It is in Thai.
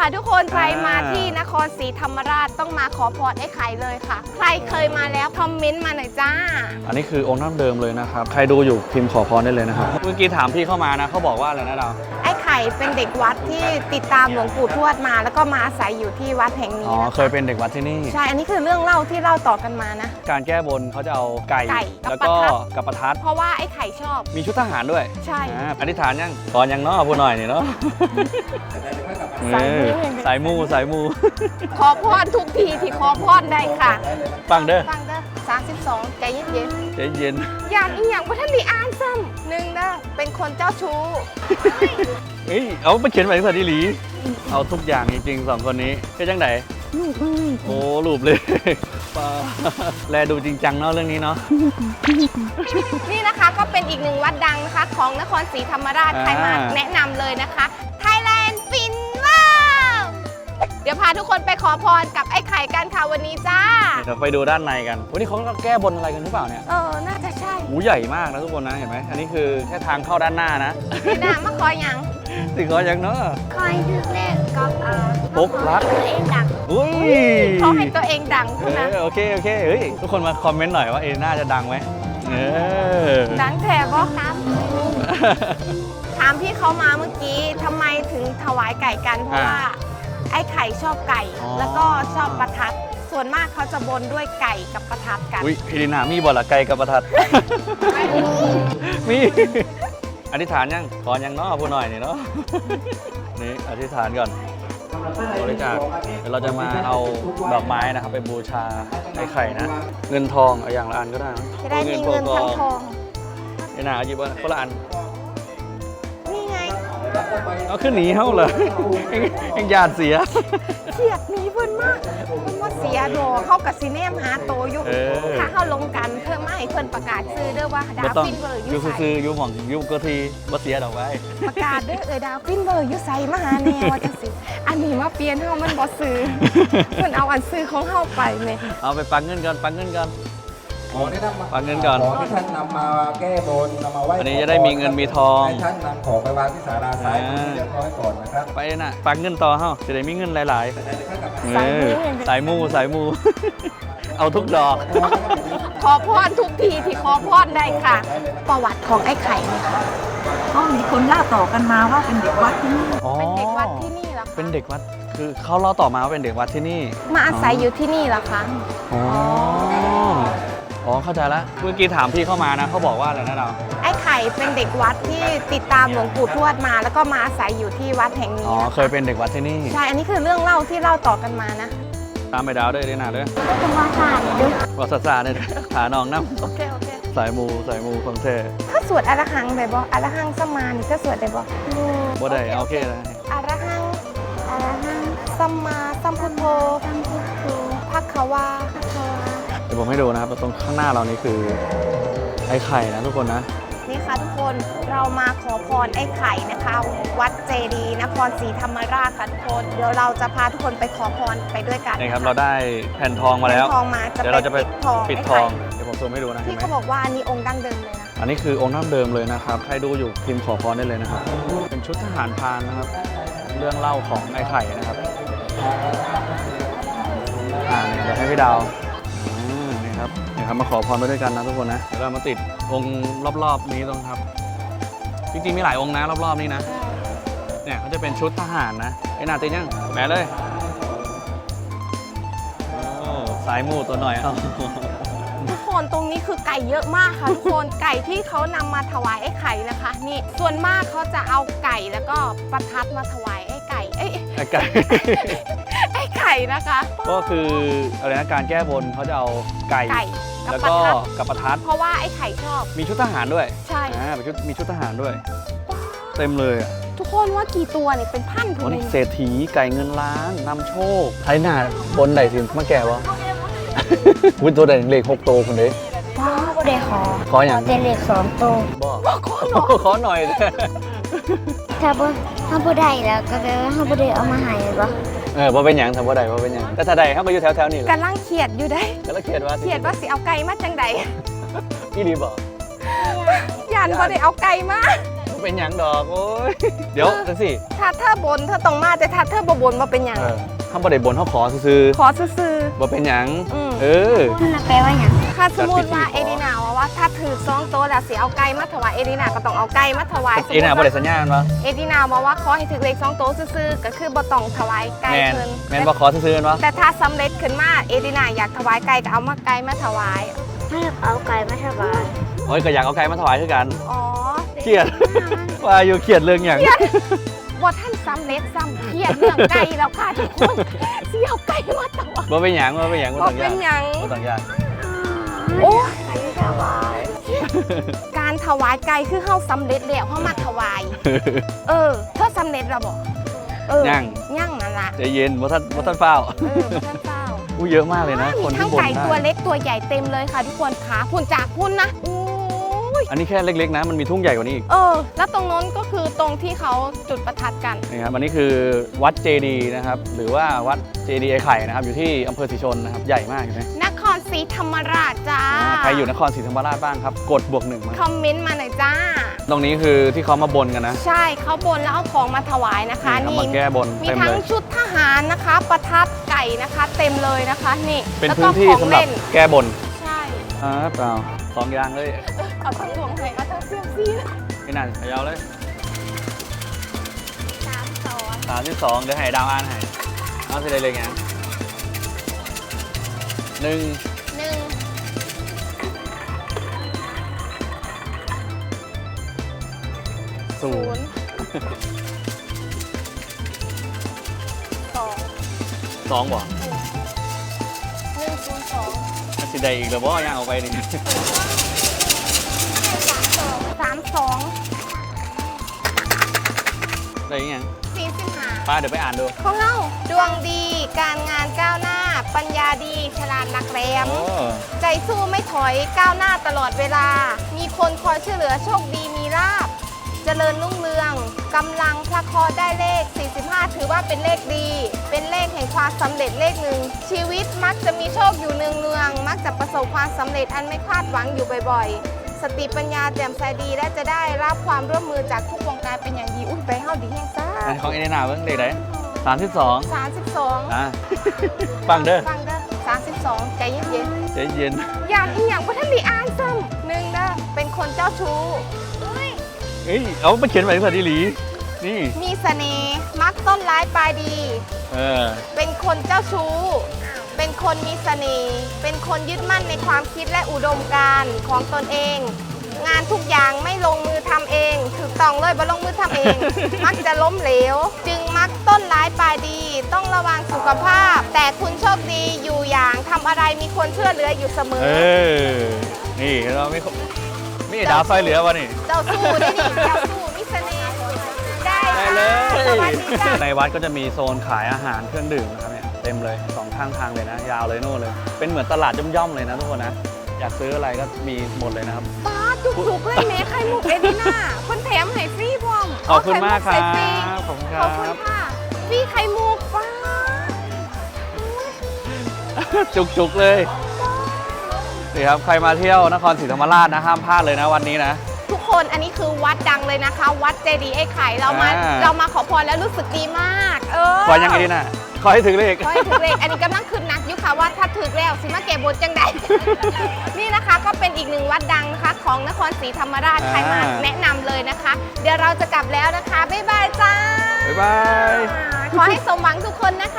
ค่ะทุกคนใครมาที่นครศรีธรรมราชต้องมาขอพรไอ้ไข่เลยค่ะใครเคยมาแล้วคอมเมนต์มาหน่อยจ้าอันนี้คือองค์น้ำเดิมเลยนะครับใครดูอยู่พิมพ์ขอพรได้เลยนะครับเมื่อกี้ถามพี่เข้ามานะเขาบอกว่าอะไรนะดาวไอ้ไข่เป็นเด็กวัดที่ติดตามหลวงปู่ทวดมาแล้วก็มาอาศัยอยู่ที่วัดแห่งนี้เคยเป็นเด็กวัดที่นี่ใช่อันนี้คือเรื่องเล่าที่เล่าต่อกันมานะการแก้บนเขาจะเอาไก่แล้วก็กับประทัดเพราะว่าไอ้ไข่ชอบมีชุดทหารด้วยใช่อธิษฐานยังก่อนยังเนาะพูดหน่อยนี่เนาะสายมูขอพรทุกทีที่ขอพรได้ค่ะฟังเด้อ 32ใจเย็นอย่างอีอย่างว่าท่านดีอ่านซ้ำหนึ่งนะเป็นคนเจ้าชู้เอาไปเขียนไว้ที่สัตว์ดีหลีเอาทุกอย่างจริงๆ2คนนี้เป็นจังไหนลูกเลยโอ้ลูบเลยแลดูจริงจังเนาะเรื่องนี้เนาะนี่นะคะก็เป็นอีกหนึ่งวัดดังนะคะของนครศรีธรรมราชใครมาแนะนำเลยนะคะ Thailand Finland เดี๋ยวพาทุกคนไปขอพรกับไอ้ไข่กันค่ะวันนี้จ้าเดี๋ยวไปดูด้านในกันวันนี้เขาแก้บนอะไรกันหรือเปล่าเนี่ยน่าจะใช่หูใหญ่มากนะทุกคนนะเห็นไหมอันนี้คือแค่ทางเข้าด้านหน้านะไม่น่ามาคอยยังสิขอยังเนาะคอยถึงเลขกับปุ๊บรักตัวเองดังอุ้ยเขาให้ตัวเองดังนะโอเคเฮ้ยทุกคนมาคอมเมนต์หน่อยว่าน่าจะดังไหมดังแท้ก็ครับถามพี่เขามาเมื่อกี้ทำไมถึงถวายไก่กันเพราะว่าไอ้ไข่ชอบไก่แล้วก็ชอบประทัดส่วนมากเขาจะบนด้วยไก่กับประทัดกันอุ้ยพี่ดินามีบ่ล่ะไก่กับประทัดมีอธิษฐานยังก่อนยังเนาะพูดหน่อยนี่เนาะนี่อธิษฐานก่อนบริจาคเดี๋ยวเราจะมาเอาดอกไม้นะครับไปบูชาไอ้ไข่นะเงินทองเอาอย่างละอันก็ได้จะได้มีเงินทั้งทองนี่นะหยิบคนละอันนี่ไงเอาขึ้นหนีเขาเลยเอ็งญาติเสียเฉียดหนีเพิ่นมากเพิ่นว่าเสียดอกเข้ากับซีเนมหาโตยุถ้าเข้าลงกันเพิ่มไม่เพิ่นประกาศซื้อเด้อว่าดาวฟินเบอร์ยูซื้อยูหม่องยูก็ทีบ่เสียดอกไว้ประกาศเด้อดาวฟินเบอร์ยูใส่มาหาแนวจังสิอันนี้มาเปลี่ยนเฮามันบ่ซื้อเพิ่นเอาอันซื้อของเฮาไปแม่เอาไปปังเงินก่อนปังเงินก่อนปังเงินก่อนของที่ท่านนำมาแก้บนนำมาไหว้อันนี้จะได้มีเงินมีทองให้ท่านนำของไปวางที่ศาลาซ้ายมือเรียบร้อยก่อนนะครับไปน่ะปังเงินต่อเฮาจะได้มีเงินหลายๆสายมูเอาทุกดอกขอพรทุกทีที่ขอพรได้ค่ะประวัติของไอ้ไข่เนี่ยค่ะมีคนเล่าต่อกันมาว่าเป็นเด็กวัดที่นี่เป็นเด็กวัดที่นี่เหรอเป็นเด็กวัดคือเขาเล่าต่อมาว่าเป็นเด็กวัดที่นี่มาอาศัยอยู่ที่นี่เหรอคะเข้าใจแล้วเมื่อกี้ถามพี่เข้ามานะเขาบอกว่าอะไรนะเราไอ้ไข่เป็นเด็กวัดที่ติดตามหลวงปู่ทวดมาแล้วก็มาอาศัยอยู่ที่วัดแห่งนี้เคยเป็นเด็กวัดที่นี่ใช่อันนี้คือเรื่องเล่าที่เล่าต่อกันมานะตามไปดาวด้วยนะด้วยต้องว่าศาสตร์ด้วยว่าศาสตร์เนี่ยหาน้องน้ำโอเคสายมูฟังเท่ถ้าสวดอรหังได้บ่อรหังสมานี่ก็สวดได้บ่บ่ได้โอเคเลยอรหังสัมมาสัมพุทโธภัคควาเดี๋ยวผมให้ดูนะครับตรงข้างหน้าเรานี่คือไอ้ไข่นะทุกคนนะนี่ค่ะทุกคนเรามาขอพรไอ้ไข่นะคะวัดเจดีย์นครศรีธรรมราชค่ะทุกคนเดี๋ยวเราจะพาทุกคนไปขอพรไปด้วยกันนี่ครับเราได้แผ่นทองมาแล้วเดี๋ยวเราจะไปปิดทองเดี๋ยวผมซูมให้ดูนะที่เขาบอกว่าอันนี้องค์ดั้งเดิมเลยนะอันนี้คือองค์ดั้งเดิมเลยนะครับใครดูอยู่พิมพ์ขอพรได้เลยนะครับเป็นชุดทหารพรานนะครับเรื่องเล่าของไอ้ไข่นะครับเดี๋ยวให้พี่ดาวนี่ครับมาขอพรไปด้วยกันนะทุกคนนะเดี๋ยวเรามาติดองค์รอบๆนี้ตรงครับจริงๆมีหลายองค์นะรอบๆนี้นะเนี่ยเขาจะเป็นชุดทหารนะไอ้นาติยังแบะเลยสายมูตัวหน่อยทุกคนตรงนี้คือไก่เยอะมากค่ะทุกคนไก่ที่เขานำมาถวายไอ้ไข่นะคะนี่ส่วนมากเขาจะเอาไก่แล้วก็ประทัดมาถวายไอ้ไก่ไอ้ไข่นะคะก็คืออะไรนะการแก้บนเขาจะเอาไก่แล้วก็กับประทัดเพราะว่าไอ้ไข่ชอบมีชุดทหารด้วยใช่มีชุดทหารด้วยเต็มเลยทุกคนว่ากี่ตัวเนี่ยเป็นพันตัวนี้เศรษฐีไก่เงินล้านนำโชคไทยหน้าบนไหนสิมาแก่วะวุ้นตัวใดเลข6 ตัวคนเด้ว้าวก็ได้ขออย่างเลข2 ตัวขอหน่อยถ้าบ่ได้แล้วก็แปลว่าบ่ได้เอามาให้บ่บ่เป็นหยังทำบ่ได้บ่เป็นหยังแต่ถ้าได้เขาก็อยู่แถวๆนี่แหละกำลังเขียดอยู่ได้กำลังเขียดว่าสิเอาไก่มาจังใดอีดีบ่ยันบ่ได้เอาไก่มาไปเป็นหยังดอกโอ้ยเดี๋ยวจังสิถ้าเธอบนเธอต้องมาแต่ถ้าเธอบ่บนมาเป็นหยังข้าบ่ได้บนเขาขอซื้อขอซื่อบ่เป็นหยังอืมเออแปลว่าหยังถ้าสมมติว่าจัดพิธีขอเอดีนาว่าถ้าถือ2โต๊ะแล้วสิเอาไก่มาถวายเอดีนาก็ต้องเอาไก่มาถวายสมเอ็มุน่ะติบ่ได้ว่าสัญญาณวะเอดีนาบอกว่าขอให้ถือเลข2โต๊ะซื่อๆก็คือบ่ต้องถวายไก่แมนเพิ่นแมนบ่ขอซื้อๆกันวะแต่ถ้าสำเร็จขึ้นมาเอดีนาอยากถวายไก่ก็เอามาไก่มาถวายให้เอาไก่มาถวายโอ้ยก็อยากเอาไก่มาถวายคือกันอ๋อเครียด ว่าอยู่เครียดเรื่องหยังบ่ท่านสำเร็จซ้ำเครียดเรื่องไก่แล้วค่ะทุกคนสิเอาไก่มาถวายบ่เป็นหยังบ่เป็นหยังบ่บ่ต้องเป็ยากนหยังบ่ต้องยากโอ้การถวายไก่คือเฮาสำเร็จแล้วเฮามาถวาย เออเธอสำเร็จแล้วบ่เออยังยังนั่นล่ะใจเย็นบ่ทันเฝ้าเออบ่ท่านเฝ้าอู้เยอะมากเลยนะมีคนทั้ที่งบนไก่ได้ตัวเล็กตัวใหญ่เต็มเลยค่ะทุกคนขาพุ่นจากพุ่นนะอู้ยอันนี้แค่เล็กๆนะมันมีทุ่งใหญ่กว่านี้อีกเออ แล้วตรงโน้นก็คือตรงที่เขาจุดประทัดกันนี่ครับอันนี้คือวัดเจดีย์นะครับหรือว่าวัดเจดีย์ไอ้ไข่นะครับอยู่ที่อำเภอศรีชนนะครับใหญ่มากเห็นไหมนครศรีธรรมราชจ้าใครอยู่นครศรีธรรมราชบ้างครับกด+1มาคอมเมนต์มาหน่อยจ้าตรงนี้คือที่เขามาบนกันนะใช่เขาบนแล้วเอาของมาถวายนะคะเขานี่มาแก้บนมีเต็มทั้เลงยชุดทหารนะคะ ประทัดไก่นะคะ เต็มเลยนะคะนี่เป็นแล้วพื้ก็นที่ของสำหรับเล่นแก้บนใช่เปล่าสองอย่างเลยเอาทั้งดวงเลยเอาทั้งเซียมซีนี่นั่นขยาวเลย 3 32เดี๋ยวให้ดาวอ่านให้เอาสิได้เลยไงหนึ่ง 1 ศูนย์ 0 2 สองบ่ 1 0 2 สิได้อีกแล้วบ่ย่างออกไปนี่ 32 ได้อีกยัง 45 ป้าเดี๋ยวไปอ่านดูของเราดวงดีการงานก้าวหน้า ปัญญาดีฉลาดหลักแหลมโอ้ใจสู้ไม่ถอยก้าวหน้าตลอดเวลา มีคนคอยช่วยเหลือโชคดีมีลาภเจริญรุ่งเรืองกำลังพระเคราะห์ได้เลข 45 ถือว่าเป็นเลขดี เป็นเลขแห่งความสำเร็จเลขหนึ่ง ชีวิตมักจะมีโชคอยู่เนืองๆมักจะประสบความสำเร็จอันไม่คาดหวังอยู่บ่อยๆ สติปัญญาแจ่มใสดีและจะได้รับความร่วมมือจากทุกวงการเป็นอย่างดีอุ้ยไปเฮาดีแห่งซ่าอันของเอเดนาเบิ่งเลขไหน32 32 อ่ะฟังเด้อฟังเด้อ32 ใจเย็นใจเย็นๆอย่างอีหยังบ่ทันได้อ่านซ้ำหนึ่งเด้อเป็นคนเจ้าชู้เอ้ยเอาไปเขียนไว้ที่สัตว์ดีหลีนี่มีเสน่ห์มักต้นร้ายปลายดีเออเป็นคนเจ้าชู้ เป็นคนมีเสน่ห์เป็นคนยึดมั่นในความคิดและอุดมการณ์ของตนเอง งานทุกอย่างไม่ลงมือทำเองถูกต้องเลยบ่ลงมือทำเอง มักจะล้มเหลว จึงมักต้นร้ายปลายดี ต้องระวังสุขภาพ แต่คุณโชคดีอยู่อย่างทำอะไรมีคนช่วยเหลืออยู่เสมอเออ นี่เราไม่มีดาวซอยเหลือวะนี่เจ้าสู้ได้ดิเจ้าสู้มีเสน่ห์ได้ได้ค่ะเลยสวัสดีจ้าในวัดก็จะมีโซนขายอาหารเครื่องดื่มนะครับเนี่ยเต็มเลยสองข้างทางเลยนะ ยาวเลยโน่นเลย เป็นเหมือนตลาดย่อมๆเลยนะทุกคนนะ อยากซื้ออะไรก็มีหมดเลยนะครับป้าจุกๆเลยแม่ไข่มุกเอดิน่าคนแถมให้ฟรีพร้อมขอบคุณมากครัไข่มุกใส่ฟรีบ ขอบคุณคขรัอบคุณบค่ะฟรีไข่มุกป้าจุกๆเลยนี่ครับใครมาเที่ยวนครศรีธรรมราชนะห้ามพลาดเลยนะวันนี้นะทุกคนอันนี้คือวัดดังเลยนะคะ วัดเจดีย์ไอ้ไข่เรามาอ่าเรามาขอพรแล้วรู้สึกดีมากขอยังไงดีนะขอให้ถึงเลขขอให้ถึงเลขอันนี้กำลังขึ้นหนักอยู่ค่ะว่าถ้าถึงแล้วสิมาเก็บบนจังใด นี่นะคะก็เป็นอีกหนึ่งวัดดังนะคะของนครศรีธรรมราชใครมาแนะนำเลยนะคะ เดี๋ยวเราจะกลับแล้วนะคะบ๊ายบายจ้าบ๊ายบายขอให้สมหวังทุกคนนะคะ